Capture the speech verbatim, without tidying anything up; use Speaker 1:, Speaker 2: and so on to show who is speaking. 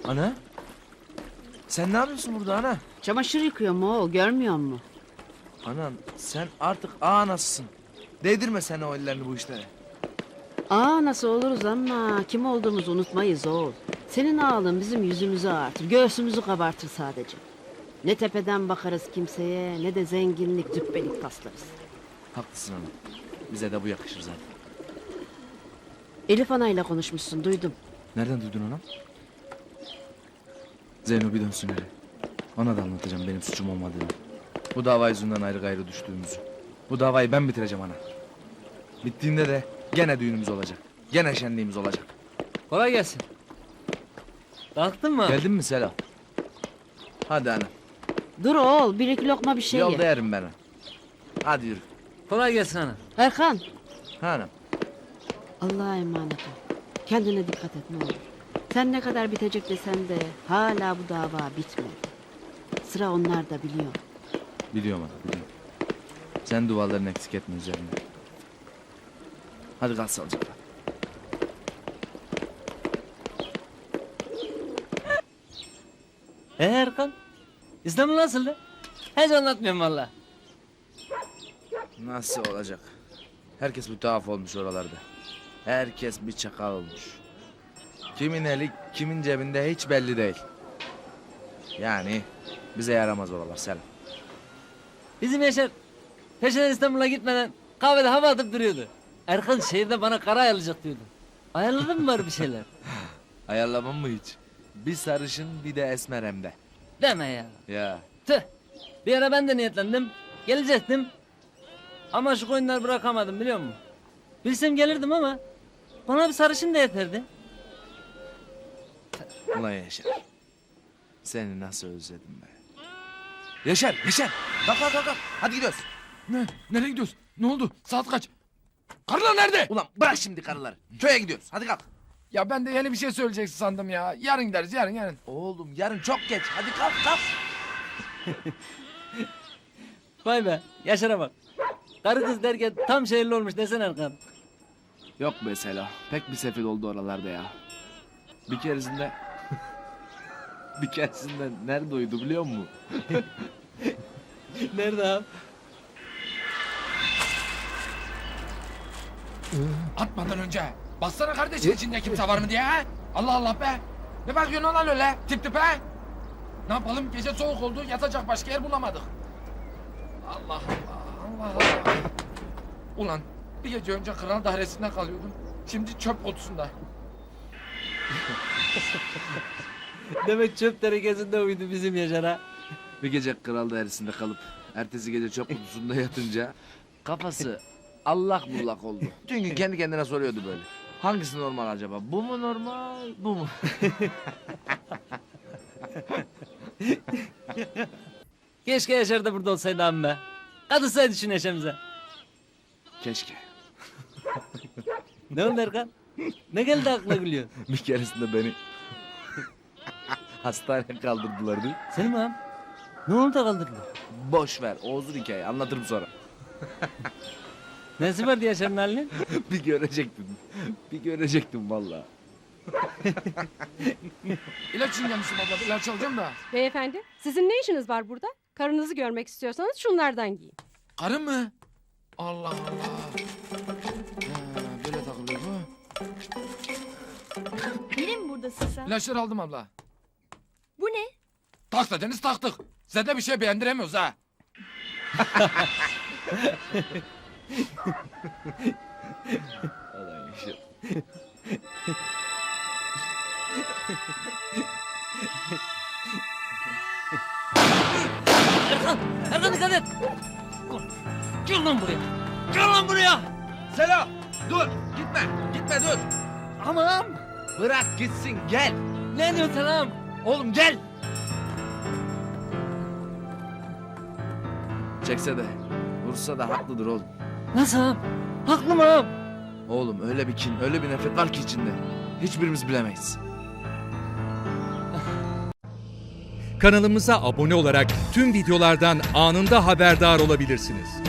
Speaker 1: Ana? Sen ne yapıyorsun burada ana?
Speaker 2: Çamaşır yıkıyorum oğul, görmüyor musun?
Speaker 1: Anan sen artık ağa nasılsın? Değdirme sen o ellerini bu işlere.
Speaker 2: Aa nasıl oluruz ama kim olduğumuzu unutmayız oğul. Senin ağalın bizim yüzümüzü ağartır, göğsümüzü kabartır sadece. Ne tepeden bakarız kimseye, ne de zenginlik, cübbelik taslarız.
Speaker 1: Haklısın ana. Bize de bu yakışır zaten.
Speaker 2: Elif anayla konuşmuşsun, duydum.
Speaker 1: Nereden duydun anam? Zeyno bir dönsün hele. Ona da anlatacağım benim suçum olmadığını. Bu dava yüzünden ayrı gayrı düştüğümüzü. Bu davayı ben bitireceğim ana. Bittiğinde de gene düğünümüz olacak. Gene şenliğimiz olacak.
Speaker 3: Kolay gelsin. Kalktın mı?
Speaker 1: Geldin mi Selam? Hadi ana.
Speaker 2: Dur oğul, bir iki lokma bir şey
Speaker 1: Yolda
Speaker 2: ye.
Speaker 1: yerim ben ana. Hadi yürü.
Speaker 3: Kolay gelsin ana.
Speaker 2: Erkan,
Speaker 1: Ha anam.
Speaker 2: Allah'a emanet ol. Kendine dikkat et ne olur. Sen ne kadar bitecek desen de hala bu dava bitmedi. Sıra onlar da biliyor.
Speaker 1: Biliyorum ana biliyorum. Sen dualarını eksik etme üzerine. Hadi kal sağlıcakla.
Speaker 3: Ee Erkan? İstanbul nasıldı? Hiç anlatmıyorum valla.
Speaker 1: Nasıl olacak? Herkes bir tuhaf olmuş oralarda. Herkes bir çakal olmuş. Kimin eli kimin cebinde hiç belli değil. Yani bize yaramaz oralar Selam.
Speaker 3: Bizim Yaşar peşinden İstanbul'a gitmeden kahvede hava atıp duruyordu. Erkan şehirde bana kara ayarlayacak diyordu. Ayarladın mı var bir şeyler?
Speaker 1: Ayarlamam mı hiç? Bir sarışın bir de esmer hem de.
Speaker 3: Deme ya.
Speaker 1: Ya
Speaker 3: Tüh. Bir ara ben de niyetlendim. Gelecektim. Ama şu koyunları bırakamadım biliyor musun? Bilsem gelirdim ama bana bir sarışın da yeterdi.
Speaker 1: ulan Yaşar. Seni nasıl özledim be. Yaşar, Yaşar. Kalk kalk kalk. kalk. Hadi gidiyoruz.
Speaker 4: Ne? Nereye gidiyoruz? Ne oldu? Saat kaç? Karılar nerede?
Speaker 1: Ulan bırak şimdi karıları. Köye gidiyoruz. Hadi kalk.
Speaker 4: Ya ben de yeni bir şey söyleyeceksin sandım ya. Yarın gideriz yarın yarın.
Speaker 1: Oğlum yarın çok geç. Hadi kalk kalk.
Speaker 3: Vay be Yaşar'a bak. Karı kız derken tam şehirli olmuş desene Erkan.
Speaker 1: Yok be Selo. Pek bir sefil oldu oralarda ya. Bir keresinde... bir keresinde nerede uyudu biliyor musun?
Speaker 3: Nerede abi?
Speaker 4: Atmadan önce. Baksana kardeşin içinde kimse var mı diye ha? Allah Allah be. Ne bakıyorsun lan öyle tip tip ha? Ne yapalım gece soğuk oldu yatacak başka yer bulamadık. Allah Allah Allah Allah. Ulan bir gece önce kral dairesinde kalıyordum. Şimdi çöp kutusunda.
Speaker 3: Demek çöp tenekesinde uyudu bizim Yaşar'a.
Speaker 1: Bir gece kral dairesinde kalıp... ertesi gece çöp kutusunda yatınca... kafası allak bullak oldu. Bütün gün kendi kendine soruyordu böyle. Hangisi normal acaba? Bu mu normal, bu mu?
Speaker 3: Keşke Yaşar da burada olsaydı abi be. Katılsaydı şu neşemize.
Speaker 1: Keşke.
Speaker 3: Ne oldu Erkan? Ne geldi aklına gülüyor?
Speaker 1: Bir keresinde beni... hastaneye kaldırdılar değil mi?
Speaker 3: Seni mi abi? Ne oldu da kaldırdın?
Speaker 1: Boş ver, o uzun hikaye. Anlatırım sonra.
Speaker 3: Nesi vardı Yaşar'ın halinin?
Speaker 1: Bir görecektin. Bir görecektin vallahi.
Speaker 4: İlaç için gelmişim abla ilaç alacağım da.
Speaker 5: Beyefendi, sizin ne işiniz var burada? Karınızı görmek istiyorsanız şunlardan giyin.
Speaker 4: Karı mı? Allah Allah. Ha, böyle takılıyor bu.
Speaker 6: Yine mi buradasın sen?
Speaker 4: İlaçları aldım abla.
Speaker 6: Bu ne?
Speaker 4: Tak dediniz taktık. Size de bir şey beğendiremiyoruz ha.
Speaker 1: Ulan Yaşar.
Speaker 3: Erkan! Erkan dikkat et! Gel lan buraya! Gel lan buraya!
Speaker 1: Selo! Dur! Gitme! Gitme dur!
Speaker 3: Aman!
Speaker 1: Bırak gitsin gel!
Speaker 3: Ne diyorsun sen ağam?
Speaker 1: Oğlum gel! Çekse de, vursa da haklıdır oğlum.
Speaker 3: Nasıl ağam? Haklı mı ağam?
Speaker 1: Oğlum öyle bir kin, öyle bir nefret var ki içinde. Hiçbirimiz bilemeyiz.
Speaker 7: Kanalımıza abone olarak tüm videolardan anında haberdar olabilirsiniz.